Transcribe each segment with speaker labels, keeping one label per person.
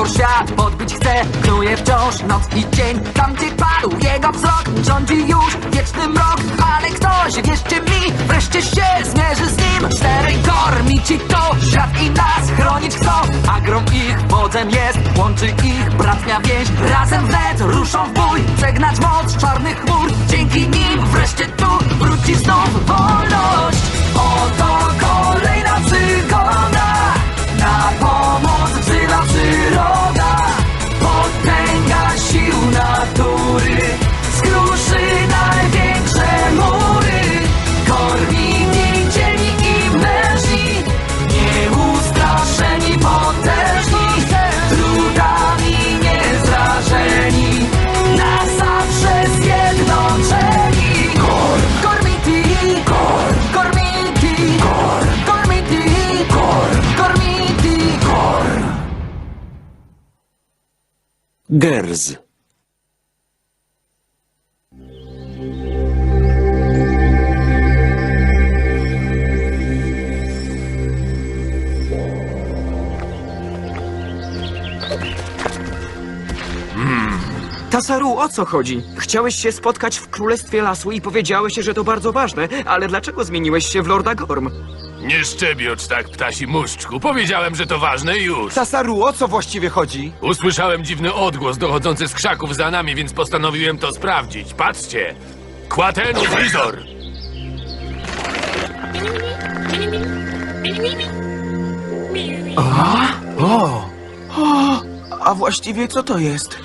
Speaker 1: świat podbić chce, knuje wciąż noc i dzień. Tam gdzie padł jego wzrok, rządzi już wieczny mrok. Ale ktoś, wierzcie mi, wreszcie się zmierzy z nim. Czterej kormici to świat i nas chronić chcą. Agrom ich wodzem jest, łączy ich bratnia więź. Razem wnet ruszą w bój, przegnać moc czarnych chmur. Dzięki nim wreszcie tu wróci znów wolność. Oto kolejna przygoda, na pomoc wzywa przyroda. Potęga sił natury skruszy największe mury. Korwini, dzielni i mężni, nieustraszeni, potężni, trudami niezrażeni, na zawsze zjednoczeni. Kormiti, kormiti, kormiti, kormiti.
Speaker 2: Gerz.
Speaker 3: Tasaru, o co chodzi? Chciałeś się spotkać w Królestwie Lasu i powiedziałeś, że to bardzo ważne, ale dlaczego zmieniłeś się w Lorda Gorm?
Speaker 4: Nie szczebiocz tak, ptasi muszczku. Powiedziałem, że to ważne i już.
Speaker 5: Tasaru, o co właściwie chodzi?
Speaker 4: Usłyszałem dziwny odgłos dochodzący z krzaków za nami, więc postanowiłem to sprawdzić. Patrzcie! Quatenus Visor!
Speaker 5: A właściwie co to jest?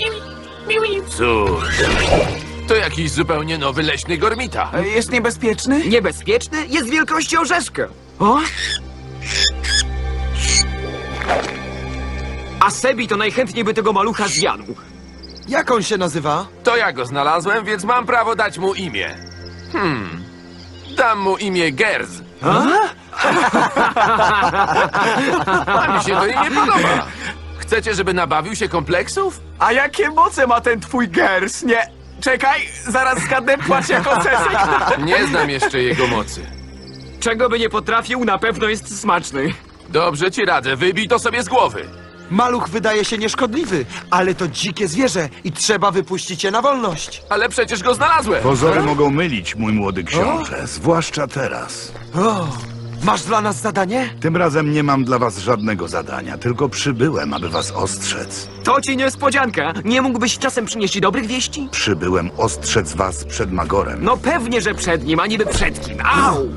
Speaker 4: Cóż, to jakiś zupełnie nowy leśny gormita.
Speaker 5: Jest niebezpieczny?
Speaker 3: Niebezpieczny? Jest wielkości orzeszka. O? A Sebi to najchętniej by tego malucha zjadł.
Speaker 5: Jak on się nazywa?
Speaker 4: To ja go znalazłem, więc mam prawo dać mu imię. Dam mu imię Gerz. A mi się to nie podoba. Chcecie, żeby nabawił się kompleksów?
Speaker 5: A jakie moce ma ten twój gers? Nie... Czekaj, zaraz zgadnę, płacz jako cesek.
Speaker 4: Nie znam jeszcze jego mocy.
Speaker 3: Czego by nie potrafił, na pewno jest smaczny.
Speaker 4: Dobrze ci radzę, wybij to sobie z głowy.
Speaker 5: Maluch wydaje się nieszkodliwy, ale to dzikie zwierzę i trzeba wypuścić je na wolność.
Speaker 4: Ale przecież go znalazłem.
Speaker 6: Pozory mogą mylić, mój młody książę, zwłaszcza teraz.
Speaker 5: O, masz dla nas zadanie?
Speaker 6: Tym razem nie mam dla was żadnego zadania, tylko przybyłem, aby was ostrzec.
Speaker 3: To ci niespodzianka. Nie mógłbyś czasem przynieść dobrych wieści?
Speaker 6: Przybyłem ostrzec was przed Magorem.
Speaker 3: No pewnie, że przed nim, a niby przed kim. Au!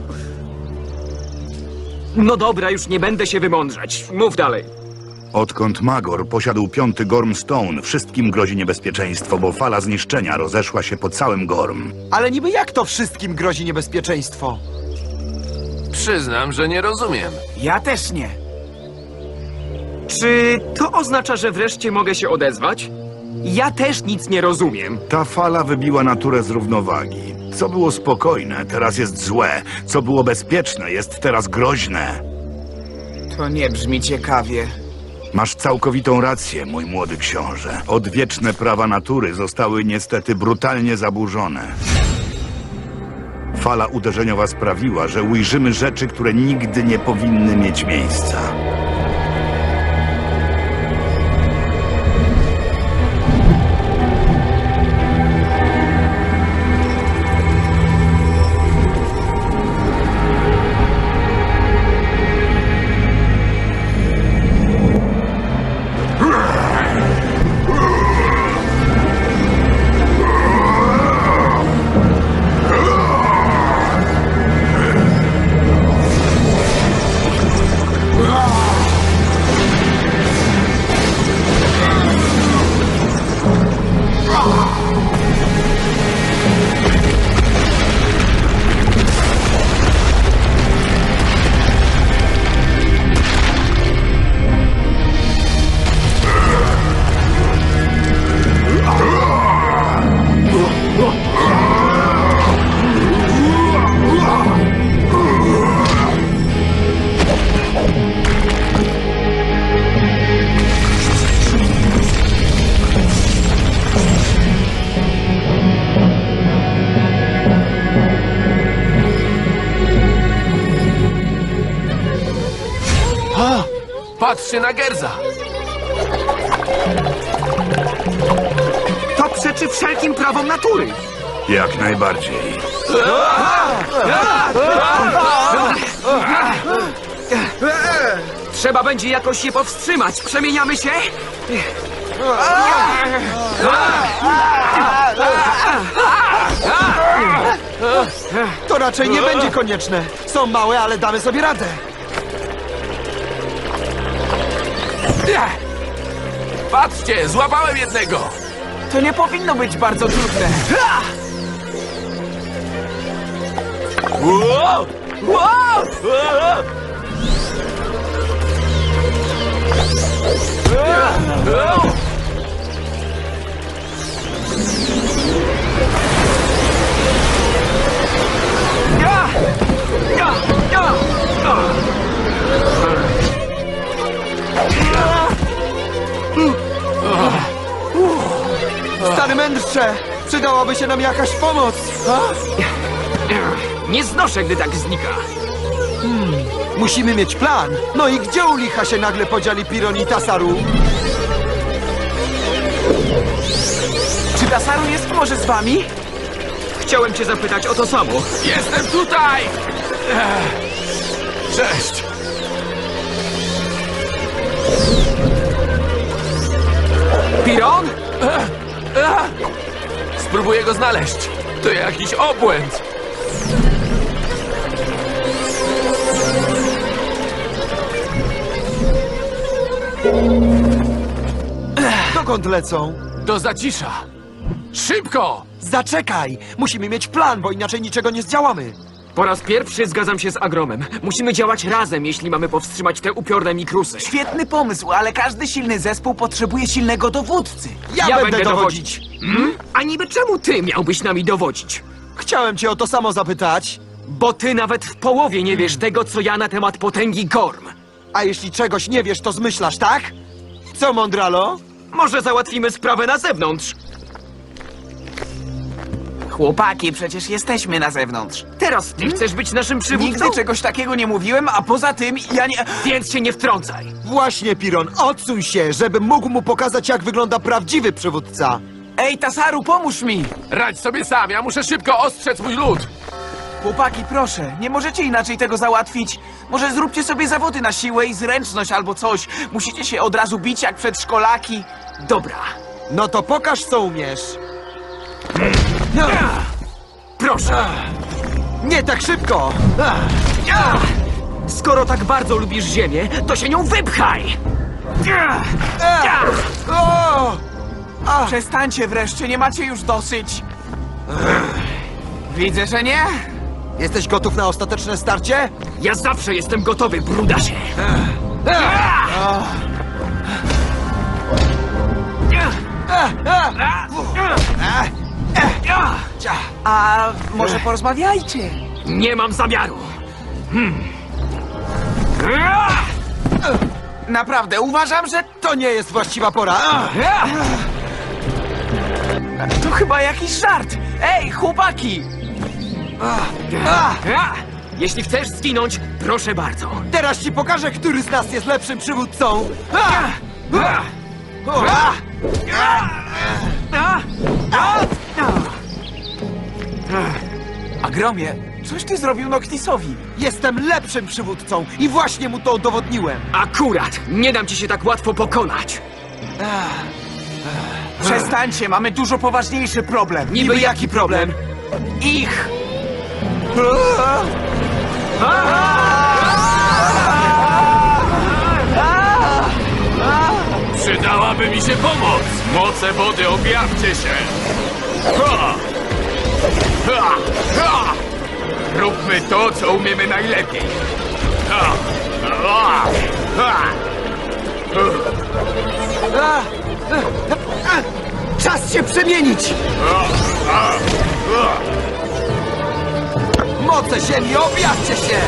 Speaker 3: No dobra, już nie będę się wymądrzać. Mów dalej.
Speaker 6: Odkąd Magor posiadł 5. Gormstone, wszystkim grozi niebezpieczeństwo, bo fala zniszczenia rozeszła się po całym Gorm.
Speaker 5: Ale niby jak to wszystkim grozi niebezpieczeństwo?
Speaker 4: Przyznam, że nie rozumiem.
Speaker 5: Ja też nie.
Speaker 3: Czy to oznacza, że wreszcie mogę się odezwać? Ja też nic nie rozumiem.
Speaker 6: Ta fala wybiła naturę z równowagi. Co było spokojne, teraz jest złe. Co było bezpieczne, jest teraz groźne.
Speaker 5: To nie brzmi ciekawie.
Speaker 6: Masz całkowitą rację, mój młody książę. Odwieczne prawa natury zostały niestety brutalnie zaburzone. Fala uderzeniowa sprawiła, że ujrzymy rzeczy, które nigdy nie powinny mieć miejsca.
Speaker 4: Patrzcie na Gerza!
Speaker 3: przeczy wszelkim prawom natury.
Speaker 6: Jak najbardziej.
Speaker 3: Trzeba będzie jakoś je powstrzymać. Przemieniamy się?
Speaker 5: To raczej nie będzie konieczne. Są małe, ale damy sobie radę.
Speaker 4: Patrzcie, złapałem jednego!
Speaker 2: To nie powinno być bardzo trudne.
Speaker 4: Wow! Wow!
Speaker 5: Stary mędrcze, przydałaby się nam jakaś pomoc.
Speaker 3: Nie znoszę, gdy tak znika.
Speaker 5: Musimy mieć plan. No i gdzie u licha się nagle podzieli Piron i Tasaru?
Speaker 2: Czy Tasaru jest może z wami?
Speaker 3: Chciałem cię zapytać o to samo.
Speaker 4: Jestem tutaj! Cześć!
Speaker 3: Piron?
Speaker 4: Spróbuję go znaleźć. To jakiś obłęd.
Speaker 5: Dokąd lecą?
Speaker 4: Do zacisza. Szybko!
Speaker 5: Zaczekaj! Musimy mieć plan, bo inaczej niczego nie zdziałamy.
Speaker 3: Po raz pierwszy zgadzam się z Agromem. Musimy działać razem, jeśli mamy powstrzymać te upiorne mikrusy.
Speaker 2: Świetny pomysł, ale każdy silny zespół potrzebuje silnego dowódcy.
Speaker 5: Ja będę dowodzić.
Speaker 3: A niby czemu ty miałbyś nami dowodzić?
Speaker 5: Chciałem cię o to samo zapytać.
Speaker 3: Bo ty nawet w połowie nie wiesz tego, co ja na temat potęgi Gorm.
Speaker 5: A jeśli czegoś nie wiesz, to zmyślasz, tak? Co, Mondralo?
Speaker 3: Może załatwimy sprawę na zewnątrz.
Speaker 2: Chłopaki, przecież jesteśmy na zewnątrz.
Speaker 3: Teraz ty chcesz być naszym przywódcą?
Speaker 2: Nigdy czegoś takiego nie mówiłem, a poza tym ja nie...
Speaker 3: Więc się nie wtrącaj.
Speaker 5: Właśnie, Piron, odsuń się, żebym mógł mu pokazać, jak wygląda prawdziwy przywódca.
Speaker 2: Ej, Tasaru, pomóż mi!
Speaker 4: Radź sobie sam, ja muszę szybko ostrzec mój lud.
Speaker 2: Chłopaki, proszę, nie możecie inaczej tego załatwić. Może zróbcie sobie zawody na siłę i zręczność albo coś. Musicie się od razu bić jak przedszkolaki.
Speaker 3: Dobra,
Speaker 5: No to pokaż, co umiesz.
Speaker 3: proszę.
Speaker 5: Nie tak szybko!
Speaker 3: Skoro tak bardzo lubisz ziemię, to się nią wypchaj.
Speaker 5: O!
Speaker 2: Przestańcie wreszcie, nie macie już dosyć. Widzę, że nie.
Speaker 5: Jesteś gotów na ostateczne starcie?
Speaker 3: Ja zawsze jestem gotowy, brudasie.
Speaker 2: A może porozmawiajcie?
Speaker 3: Nie mam zamiaru.
Speaker 2: Naprawdę, uważam, że
Speaker 5: To nie jest właściwa pora.
Speaker 2: to chyba jakiś żart. Ej, chłopaki!
Speaker 3: Jeśli chcesz zginąć, proszę bardzo.
Speaker 5: Teraz ci pokażę, który z nas jest lepszym przywódcą.
Speaker 2: Agromie, coś ty zrobił Noctisowi.
Speaker 5: Jestem lepszym przywódcą i właśnie mu to udowodniłem.
Speaker 3: Akurat, nie dam ci się tak łatwo pokonać.
Speaker 2: Przestańcie, mamy dużo poważniejszy problem.
Speaker 3: Niby jaki problem?
Speaker 2: Ich!
Speaker 4: Przydałaby mi się pomoc! Moce wody, objawcie się! Ha! Ha! Ha! Róbmy to, co umiemy najlepiej! Ha! Ha! Ha!
Speaker 5: Czas się przemienić! Moce ziemi, objawcie się!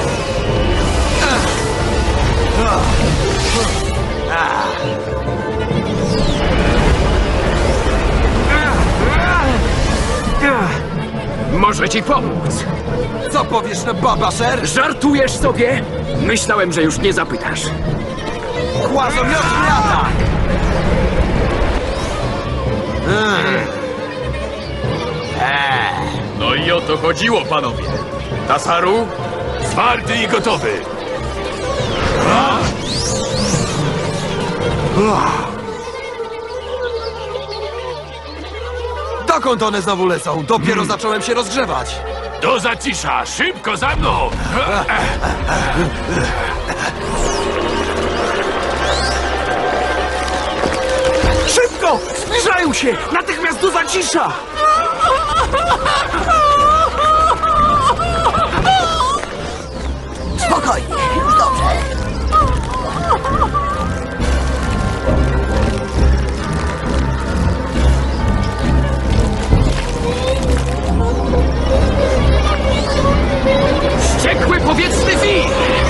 Speaker 3: Może ci pomóc.
Speaker 5: Co powiesz na Babasher?
Speaker 3: Żartujesz sobie? Myślałem, że już nie zapytasz.
Speaker 5: Kłazomiotny atak!
Speaker 7: No i o to chodziło, panowie. Tasaru?
Speaker 4: Zwarty i gotowy.
Speaker 5: Dokąd one znowu lecą? Dopiero zacząłem się rozgrzewać.
Speaker 4: Do zacisza! Szybko za mną!
Speaker 2: Szybko! Zbliżają się! Natychmiast do zacisza!
Speaker 1: Spokojnie, już dobrze.
Speaker 3: Wściekły powietrzny wir!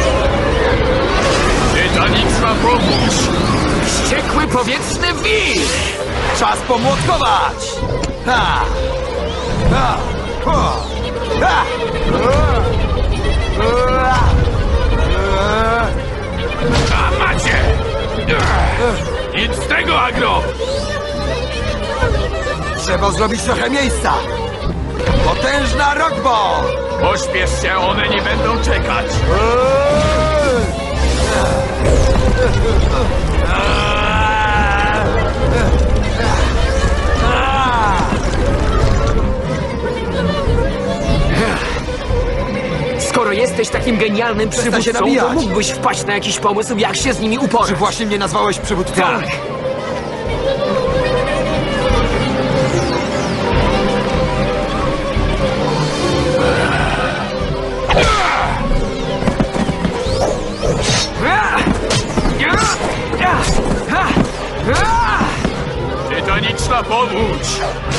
Speaker 7: Tytaniczna pomóż!
Speaker 3: Wściekły powietrzny wir!
Speaker 5: Czas pomłotkować! Ha! Ha! Ha! Ha!
Speaker 4: A macie! Nic z tego, Agro!
Speaker 5: Trzeba zrobić trochę miejsca! Potężna rockball!
Speaker 7: Pośpiesz się, one nie będą czekać.
Speaker 3: Skoro jesteś takim genialnym
Speaker 5: się
Speaker 3: przywódcą,
Speaker 5: nabijać.
Speaker 3: to mógłbyś wpaść na jakiś pomysł, jak się z nimi
Speaker 5: Czy
Speaker 3: uporać.
Speaker 5: właśnie mnie nazwałeś przywódcą?
Speaker 3: Tak.
Speaker 7: Tytaniczna powódź!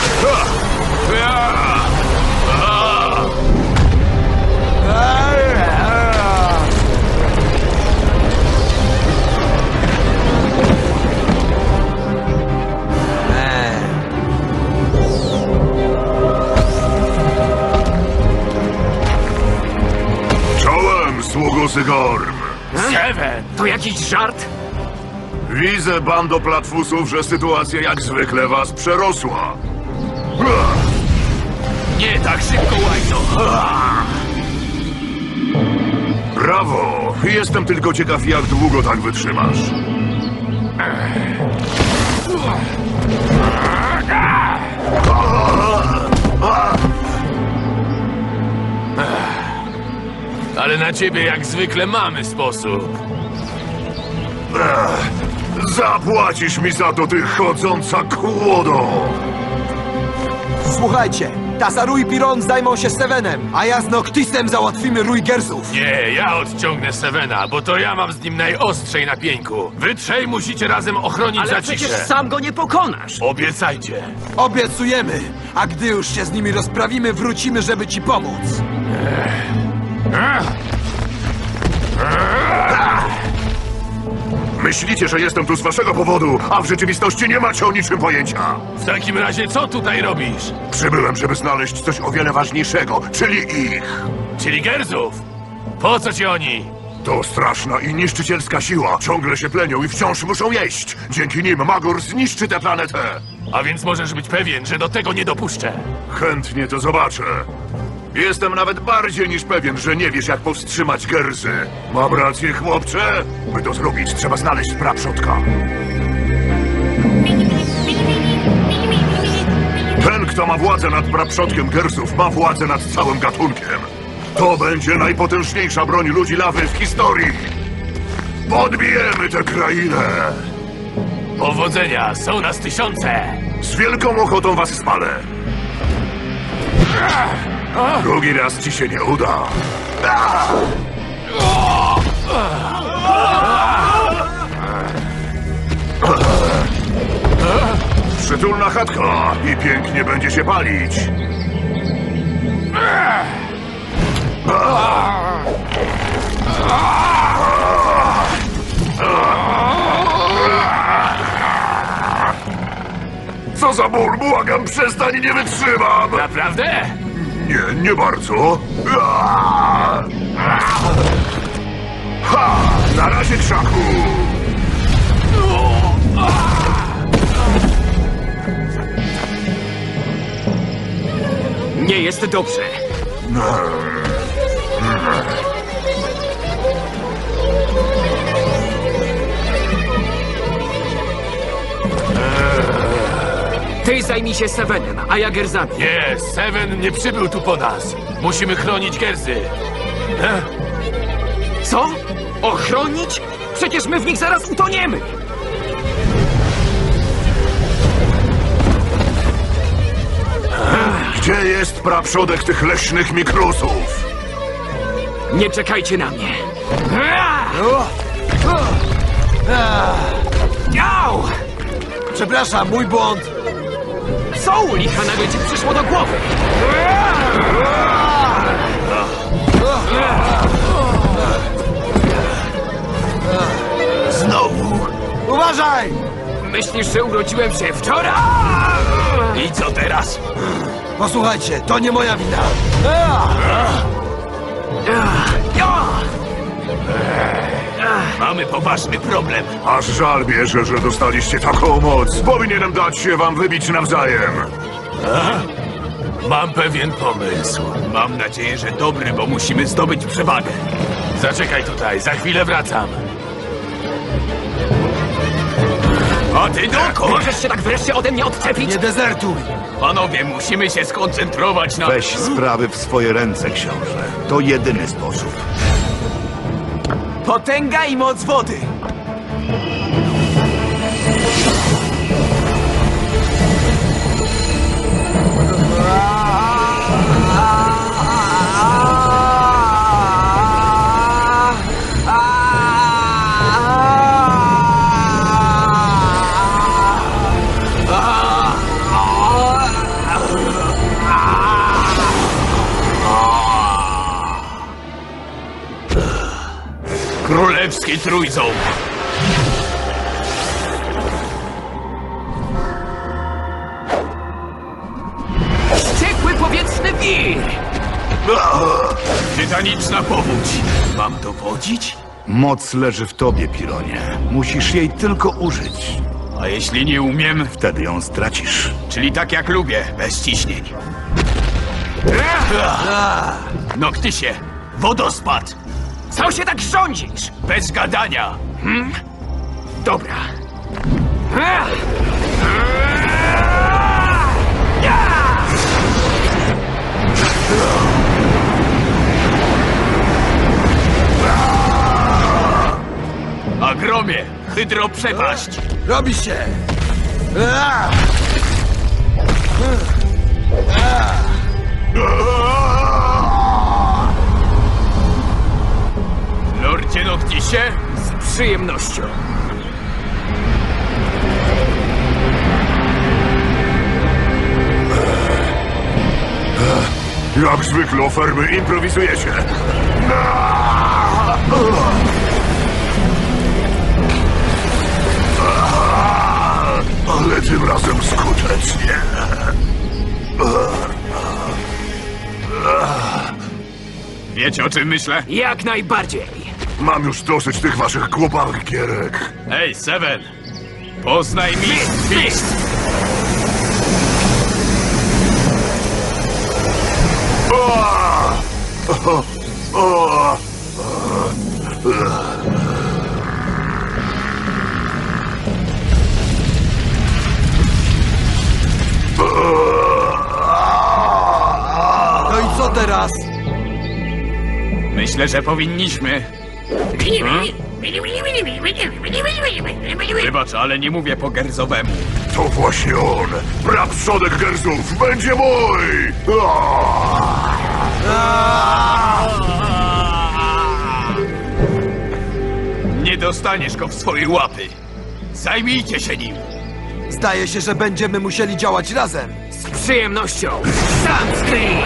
Speaker 6: Czołem, sługo Sygorm!
Speaker 4: Seven!
Speaker 3: To jakiś żart?
Speaker 6: Widzę, bando platfusów, że sytuacja jak zwykle was przerosła.
Speaker 4: Nie tak szybko, Łajno!
Speaker 6: Brawo! Jestem tylko ciekaw, jak długo tak wytrzymasz.
Speaker 4: Ale na ciebie jak zwykle mamy sposób.
Speaker 6: Zapłacisz mi za to, ty chodząca kłodo!
Speaker 5: Słuchajcie, Tasaru i Piron zajmą się Sevenem, a ja z Noctisem załatwimy rój Gersów.
Speaker 4: Nie, ja odciągnę Sevena, bo to ja mam z nim najostrzej na pieńku. Wy trzej musicie razem ochronić
Speaker 3: Ale
Speaker 4: zaciszę.
Speaker 3: przecież sam go nie pokonasz.
Speaker 4: Obiecajcie.
Speaker 5: Obiecujemy, a gdy już się z nimi rozprawimy, wrócimy, żeby ci pomóc.
Speaker 6: Myślicie, że jestem tu z waszego powodu, a w rzeczywistości nie macie o niczym pojęcia.
Speaker 4: W takim razie co tutaj robisz?
Speaker 6: Przybyłem, żeby znaleźć coś o wiele ważniejszego, czyli ich.
Speaker 4: Czyli Gerzów? Po co ci oni?
Speaker 6: To straszna i niszczycielska siła. Ciągle się plenią i wciąż muszą jeść. Dzięki nim Magor zniszczy tę planetę.
Speaker 4: A więc możesz być pewien, że do tego nie dopuszczę.
Speaker 6: Chętnie to zobaczę. Jestem nawet bardziej niż pewien, że nie wiesz, jak powstrzymać Gersy. Mam rację, chłopcze? By to zrobić, trzeba znaleźć praprzodka. Ten, kto ma władzę nad praprzodkiem Gersów, ma władzę nad całym gatunkiem. To będzie najpotężniejsza broń ludzi lawy w historii. Podbijemy tę krainę.
Speaker 4: Powodzenia, są nas tysiące.
Speaker 6: Z wielką ochotą was spalę. Drugi raz ci się nie uda. Przytulna chatka i pięknie będzie się palić. Co za ból, błagam, przestań, nie wytrzymam!
Speaker 4: Naprawdę?
Speaker 6: Nie, nie bardzo. Ha! Na razie, krzaku!
Speaker 3: Nie jest dobrze. Ty zajmij się Sevenem, a ja Gerzami.
Speaker 4: Nie, Seven nie przybył tu po nas. Musimy chronić Gersy.
Speaker 3: Co? Ochronić? Przecież my w nich zaraz utoniemy!
Speaker 6: Gdzie jest praprzodek tych leśnych mikrusów?
Speaker 3: Nie czekajcie na mnie. Au!
Speaker 5: Przepraszam, mój błąd.
Speaker 3: Co u licha nagle ci przyszło do głowy?
Speaker 5: Znowu. Uważaj!
Speaker 3: Myślisz, że urodziłem się wczoraj?
Speaker 7: I co teraz?
Speaker 5: Posłuchajcie, to nie moja wina.
Speaker 7: Mamy poważny problem.
Speaker 6: Aż żal bierze, że dostaliście taką moc. Powinienem dać się wam wybić nawzajem.
Speaker 4: Mam pewien pomysł.
Speaker 7: Mam nadzieję, że dobry, bo musimy zdobyć przewagę.
Speaker 4: Zaczekaj tutaj, za chwilę wracam.
Speaker 7: A ty dokąd?
Speaker 3: Możesz się tak wreszcie ode mnie odczepić?
Speaker 5: Nie dezertuj.
Speaker 7: Panowie, musimy się skoncentrować na...
Speaker 6: Weź sprawy w swoje ręce, książę. To jedyny sposób.
Speaker 2: Potęga i moc wody.
Speaker 7: Królewski Trójząb.
Speaker 3: Wściekły powietrzny wir!
Speaker 7: Tytaniczna powódź. Mam dowodzić?
Speaker 6: Moc leży w tobie, Pironie. Musisz jej tylko użyć.
Speaker 7: A jeśli nie umiem?
Speaker 6: Wtedy ją stracisz.
Speaker 7: Czyli tak jak lubię, bez ciśnień. Noktysie, wodospad.
Speaker 3: Co się tak rządzisz?
Speaker 7: Bez gadania.
Speaker 3: Dobra.
Speaker 7: Agromie, hydroprzepaść.
Speaker 5: Robi się.
Speaker 7: Lordzie Noktisie,
Speaker 3: Z przyjemnością.
Speaker 6: Jak zwykle, ofermy, improwizujecie. Ale tym razem skutecznie.
Speaker 7: wiecie o czym myślę?
Speaker 3: Jak najbardziej.
Speaker 6: Mam już dosyć tych waszych głupawych gierek.
Speaker 7: Hej, Seven! Poznaj mi Fist!
Speaker 5: No i co teraz?
Speaker 7: Myślę, że powinniśmy. Wybacz, ale nie mówię po gerzowemu.
Speaker 6: To właśnie on. Praprzodek Gersów będzie mój!
Speaker 7: Nie dostaniesz go w swoje łapy. Zajmijcie się nim.
Speaker 5: Zdaje się, że będziemy musieli działać razem.
Speaker 3: Z przyjemnością. Sunscreen!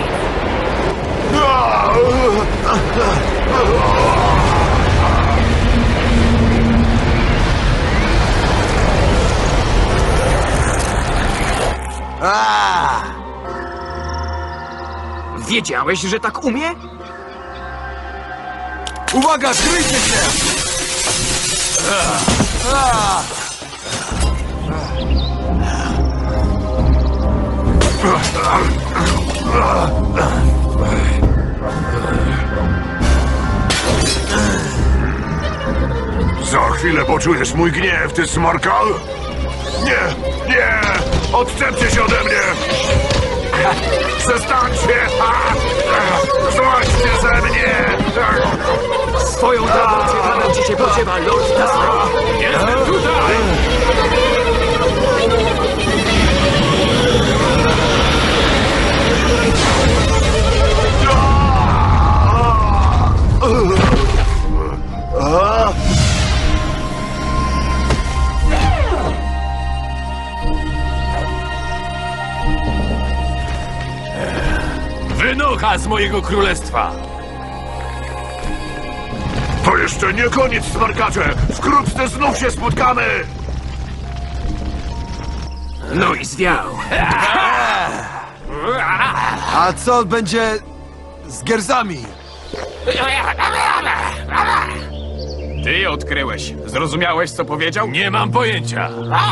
Speaker 3: Wiedziałeś, że tak umie?
Speaker 5: Uwaga, kryjcie się!
Speaker 6: Za chwilę poczujesz mój gniew, ty smarkal? Nie, nie! Odczepcie się ode mnie! Przestańcie! Złaźcie ze mnie!
Speaker 3: Swoją drogą ciekawym ci się podziewa Lord Tasaru.
Speaker 4: Jestem tutaj! Wynocha z mojego królestwa!
Speaker 6: To jeszcze nie koniec, smarkacze! Wkrótce znów się spotkamy!
Speaker 3: No i zwiał.
Speaker 5: A co będzie z Gersami?
Speaker 7: Ty odkryłeś. Zrozumiałeś, co powiedział?
Speaker 4: Nie mam pojęcia.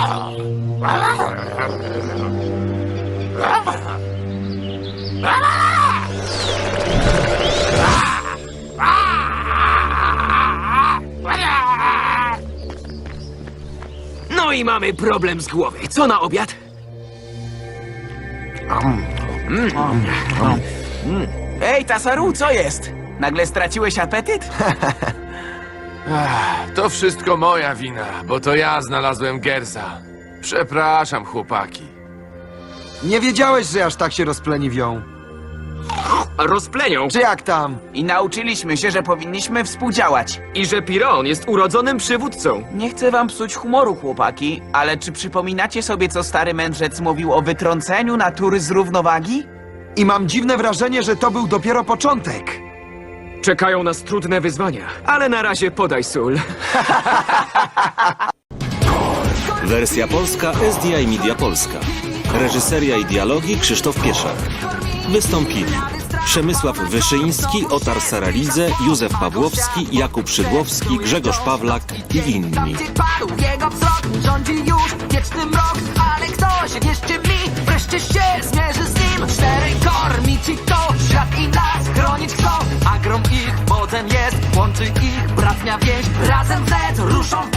Speaker 3: No i mamy problem z głowy. Co na obiad?
Speaker 2: Ej, Tasaru, co jest? Nagle straciłeś apetyt?
Speaker 4: To wszystko moja wina, bo to ja znalazłem Gersa. Przepraszam, chłopaki.
Speaker 5: Nie wiedziałeś, że aż tak się rozpleniwią.
Speaker 3: Rozplenią.
Speaker 5: Czy jak tam?
Speaker 2: I nauczyliśmy się, że powinniśmy współdziałać.
Speaker 3: I że Piron jest urodzonym przywódcą.
Speaker 2: Nie chcę wam psuć humoru, chłopaki, ale czy przypominacie sobie, co stary mędrzec mówił o wytrąceniu natury z równowagi?
Speaker 5: I mam dziwne wrażenie, że to był dopiero początek.
Speaker 3: Czekają nas trudne wyzwania, ale na razie podaj sól.
Speaker 8: Wersja polska SDI Media Polska. Reżyseria i dialogi Krzysztof Pieszak. Wystąpili Przemysław Wyszyński, Otar Saralidze, Józef Pawłowski, Jakub Szydłowski, Grzegorz Pawlak i inni.
Speaker 1: Tam, gdzie padł jego wzrok, rządzi już wieczny mrok. Ale ktoś, wierzcie mi, wreszcie się zmierzy z nim. Czterej kormić i to, świat i nas chronić chcą. A grom ich wodzem jest, łączy ich bratnia więź. Razem wnet ruszą